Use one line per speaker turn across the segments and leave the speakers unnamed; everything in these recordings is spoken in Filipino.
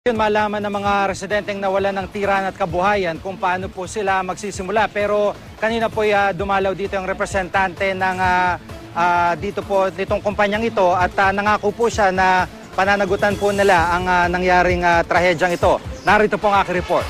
Yun, malaman ng mga residenteng nawalan ng tiran at kabuhayan kung paano po sila magsisimula. Pero kanina po dumalaw dito yung representante ng dito po nitong kumpanyang ito at nangako po siya na pananagutan po nila ang nangyaring trahedyang ito. Narito po ang aking report.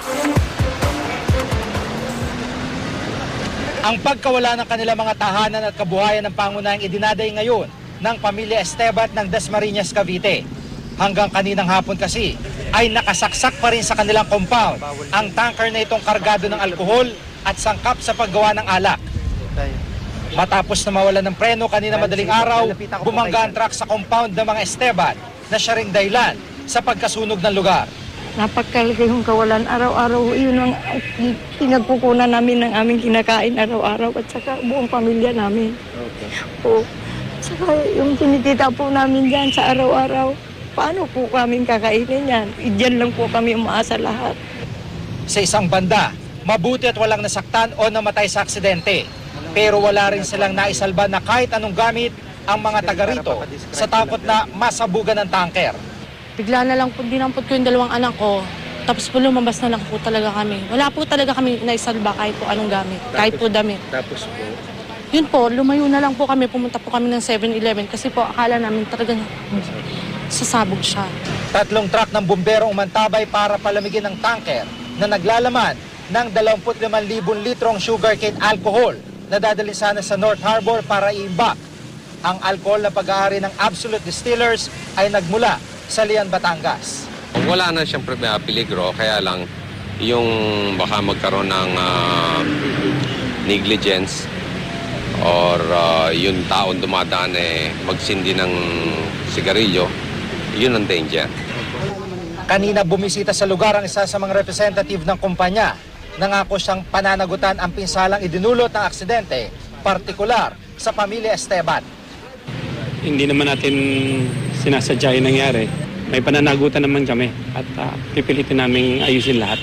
Ang pagkawala ng kanilang mga tahanan at kabuhayan ng pangunahing idinaday ngayon ng pamilya Estebat ng Dasmariñas, Cavite. Hanggang kaninang hapon kasi ay nakasaksak pa rin sa kanilang compound ang tanker na itong kargado ng alkohol at sangkap sa paggawa ng alak. Matapos na mawalan ng preno kanina madaling araw, bumangga ang truck sa compound ng mga Estebat na siya ring dahilan sa pagkasunog ng lugar.
Napakalaki yung kawalan araw-araw. Yun ang pinagkukunan namin ng aming kinakain araw-araw at saka buong pamilya namin. Okay. Po. Saka yung tinitita po namin dyan sa araw-araw. Paano po kami kakainin yan? Diyan lang po kami umaasa lahat.
Sa isang banda, mabuti at walang nasaktan o namatay sa aksidente. Pero wala rin silang naisalba na kahit anong gamit ang mga taga rito sa takot na masabugan ng tanker.
Bigla na lang po dinampot ko yung dalawang anak ko. Tapos po lumabas na lang po talaga kami. Wala po talaga kami naisalba kahit po anong gamit, kahit po damit.
Tapos po?
Yun po, lumayo na lang po kami. Pumunta po kami ng 7-Eleven kasi po akala namin talaga sasabog siya.
3 truck ng bumbero umantabay para palamigin ng tanker na naglalaman ng 25,000 litrong sugarcane alcohol na dadalhin sana sa North Harbor para i-imbak. Ang alcohol na pag-aari ng Absolute Distillers ay nagmula sa Lian, Batangas.
Wala na siyang peligro, kaya lang yung baka magkaroon ng negligence or yung taon dumadaan magsindi ng sigarilyo, yun ang danger.
Kanina bumisita sa lugar ang isa sa mga representative ng kumpanya. Nangako siyang pananagutan ang pinsalang idinulot ng aksidente, partikular sa pamilya Estebat.
Hindi naman natin sinasadya yung nangyari. May pananagutan naman kami at pipilitin namin ayusin lahat.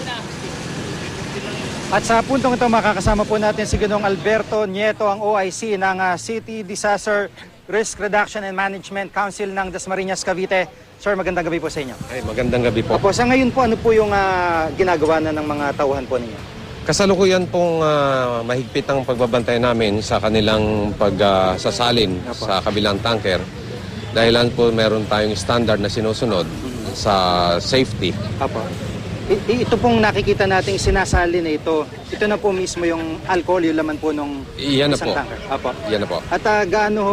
At sa puntong ito makakasama po natin si Ginoong Alberto Nieto, ang OIC ng City Disaster Risk Reduction and Management Council ng Dasmariñas, Cavite. Sir, magandang gabi po sa inyo.
Ay, magandang gabi po.
Opo, sa ngayon po, ano po yung ginagawa na ng mga tauhan po ninyo?
Kasalukuyan pong mahigpit ang pagbabantay namin sa kanilang pagsasalin sa kabilang tanker. Dahilan po meron tayong standard na sinusunod sa safety.
Opo. Ito pong nakikita nating sinasali na ito na po mismo yung alcohol, yung laman po nung
Iyan
isang
na po.
tanker. Opo.
Yan na po.
At gaano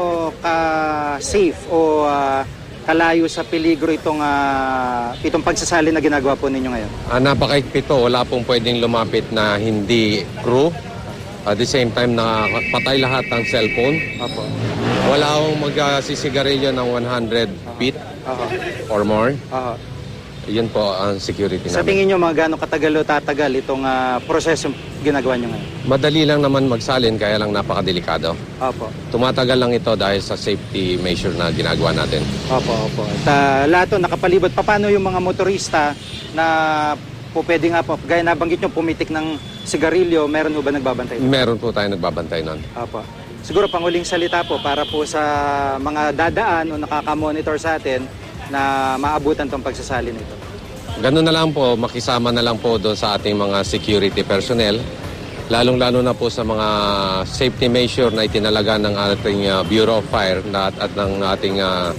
ka-safe o kalayo sa peligro itong pagsasali na ginagawa po ninyo ngayon?
Napakaigpit po. Wala pong pwedeng lumapit na hindi crew. At the same time, patay lahat ng cellphone.
Opo.
Wala akong magsisigarilyo ng 100 feet or more. Yun po ang security
Sa
namin.
tingin nyo, mga gaano katagal o tatagal itong proseso ginagawa nyo ngayon?
Madali lang naman magsalin, kaya lang napakadelikado.
Opo.
Tumatagal lang ito dahil sa safety measure na ginagawa natin.
Opo. At lahat nakapalibot. Paano yung mga motorista na po pwede nga po, gaya nabanggit nyo, pumitik ng sigarilyo, meron mo ba nagbabantay?
Meron po tayo nagbabantay nun.
Opo. Siguro panguling salita po para po sa mga dadaan o nakakamonitor sa atin na maabutan tong pagsasali nito.
Ganun na lang po, makisama na lang po doon sa ating mga security personnel, lalong-lalo na po sa mga safety measure na itinalaga ng ating Bureau of Fire at ng ating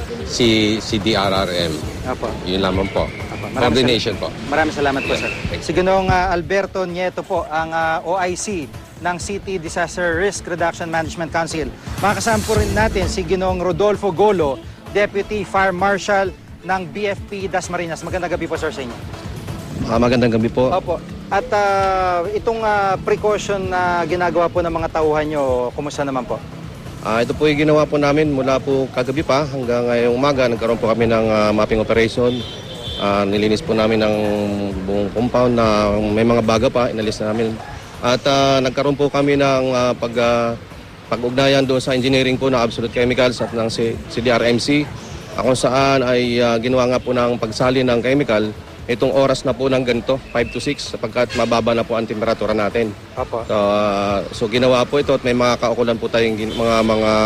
CDRRM.
Opo.
Yun lamang po.
Opo.
Coordination po.
Maraming salamat po, sir. Si Ginoong Alberto Nieto po, ang OIC ng City Disaster Risk Reduction Management Council. Makakasama po rin natin si Ginoong Rodolfo Golo, Deputy Fire Marshal ng BFP Dasmariñas. Magandang gabi po, sir, sa inyo.
Magandang gabi po.
Opo. At itong precaution na ginagawa po ng mga tauhan nyo, kumusta naman po?
Ito po yung ginawa po namin mula po kagabi pa hanggang ngayong umaga. Nagkaroon po kami ng mapping operation. Nilinis po namin ng buong compound na may mga baga pa, inalis na namin. At nagkaroon po kami ng pag-ugnayan doon sa engineering po ng Absolute Chemicals at ng CDRMC. Kung saan ay ginawa nga po ng pagsali ng chemical itong oras na po ng ganito, 5 to 6, sapagkat mababa na po ang temperatura natin.
Opo.
So ginawa po ito at may mga kaukulan po tayong mga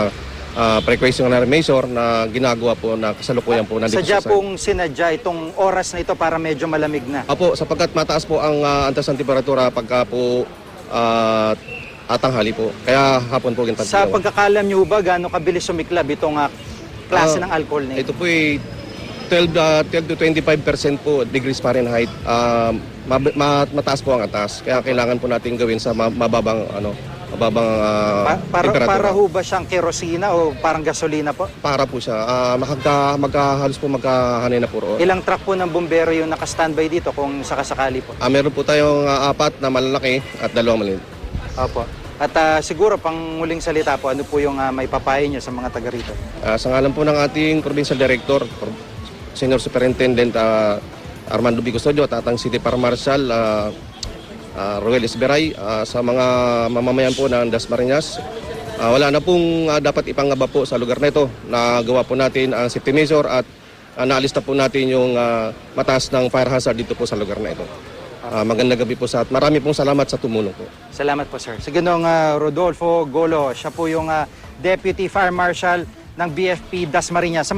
precautionary measure na ginagawa po na kasalukuyan po nandito
Sadya
sa site.
pong sinadya itong oras na ito para medyo malamig na.
Apo, sapagkat mataas po ang antas ng temperatura pagka po atanghali po. Kaya hapon po ginagawa.
Sa pagkakalam niyo ba, gaano kabilis sumiklab itong klase ng alcohol na ito?
Ito po ay 12 to 25% po degrees Fahrenheit. Mataas po ang atas. Kaya kailangan po natin gawin sa mababang temperatura.
Para ho ba siyang kerosina o parang gasolina po?
Para po siya. Halos po magkahanay na po roon.
Ilang truck po ng bumbero yung naka-standby dito kung sakasakali po?
Meron po tayong 4 na malalaki at 2 maliit.
Opo. At siguro pang muling salita po, ano po yung may papayo niyo sa mga taga rito?
Sa ngalan po ng ating Provincial Director, Senior Superintendent Armando B. Custodio at ating City Fire Marshal Roel Esberay, sa mga mamamayan po ng Dasmariñas, wala na pong dapat ipangaba po sa lugar na ito. Nagawa po natin ang safety measure at naalis na po natin yung mataas ng fire hazard dito po sa lugar na ito. Magandang gabi po sa at marami pong salamat sa tumulong po.
Salamat po, sir. Si Ginoong Rodolfo Golo, siya po yung Deputy Fire Marshal ng BFP Dasmariñas.